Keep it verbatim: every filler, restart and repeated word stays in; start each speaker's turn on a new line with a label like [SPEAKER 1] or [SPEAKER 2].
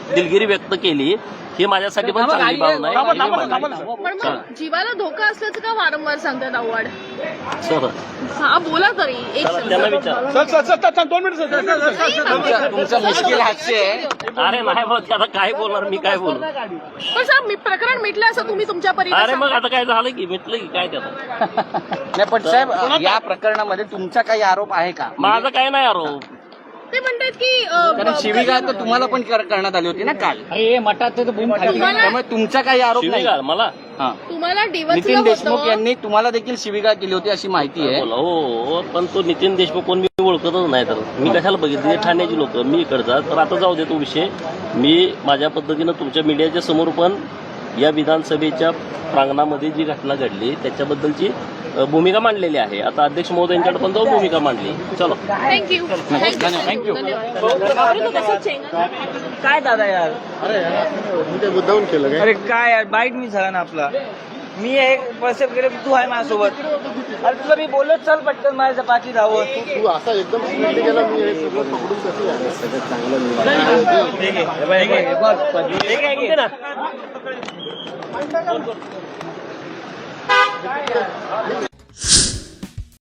[SPEAKER 1] दिलगिरी व्यक्त केली ही माझ्यासाठी पण चांगली बाब नाही.
[SPEAKER 2] पण मग जीवाला धोका असल्याचं का वारंवार सांगतात आव्हाड?
[SPEAKER 1] सर
[SPEAKER 2] हा बोला तरी एक
[SPEAKER 1] त्यांना विचार.
[SPEAKER 3] तुमचं मुश्किल हास्य आहे.
[SPEAKER 1] अरे नाही बोलत आता काय बोलणार मी, काय बोलू.
[SPEAKER 2] पण साहेब मी प्रकरण मिटलं असं तुम्ही तुमच्या परीने
[SPEAKER 1] अरे मग
[SPEAKER 2] सांगता.
[SPEAKER 1] आता काय झालं की मिटलं की काय त्याचं.
[SPEAKER 3] नाही पण साहेब या प्रकरणामध्ये तुमचा काही आरोप आहे का?
[SPEAKER 1] माझं काय नाही आरोप.
[SPEAKER 2] ते म्हणतात की अं,
[SPEAKER 3] कारण शिवीगाळ तर तुम्हाला पण कर- करण्यात आली होती ना काल.
[SPEAKER 2] तुम्हाला
[SPEAKER 3] त्यामुळे तुमचा काही आरोप नाही.
[SPEAKER 1] शिवीगाळ मला
[SPEAKER 3] हा.
[SPEAKER 2] तुम्हाला डिवचलं
[SPEAKER 3] नितीन देशमुख
[SPEAKER 2] होतं.
[SPEAKER 3] यांनी तुम्हाला देखील शिवीगाळ केली होती अशी माहिती आहे.
[SPEAKER 1] बोला हो, पण तो नितीन देशमुख कोण मी ओळखतच नाही. तर मी कशाला बघितली ठाण्याची लोक मी इकडचा. तर आता जाऊ दे तो विषय. मी माझ्या पद्धतीनं तुमच्या मीडियाच्या समोर पण या विधानसभेच्या प्रांगणामध्ये जी घटना घडली त्याच्याबद्दलची अ, भूमिका मांडलेली आहे. आता अध्यक्ष महोदयांच्याकडे पण तो भूमिका मांडली. चलो
[SPEAKER 2] थँक्यू
[SPEAKER 3] थँक्यू.
[SPEAKER 4] काय दादा यार,
[SPEAKER 5] मुद्दाहून केलं काय?
[SPEAKER 4] अरे काय यार, बाईट मी झाला ना आपला. मी एक पैसे वगैरे तू आहे माझ्यासोबत. अरे तुला मी बोलत चल पटकन माझ्या पाठी धावत.
[SPEAKER 5] तू असा एकदम स्पीडने गेला, मी हे सगळं पकडून कसं आहे? सगळं चांगलं
[SPEAKER 4] ठीक आहे, हे बघ, हे बघ, हे काय घे ना.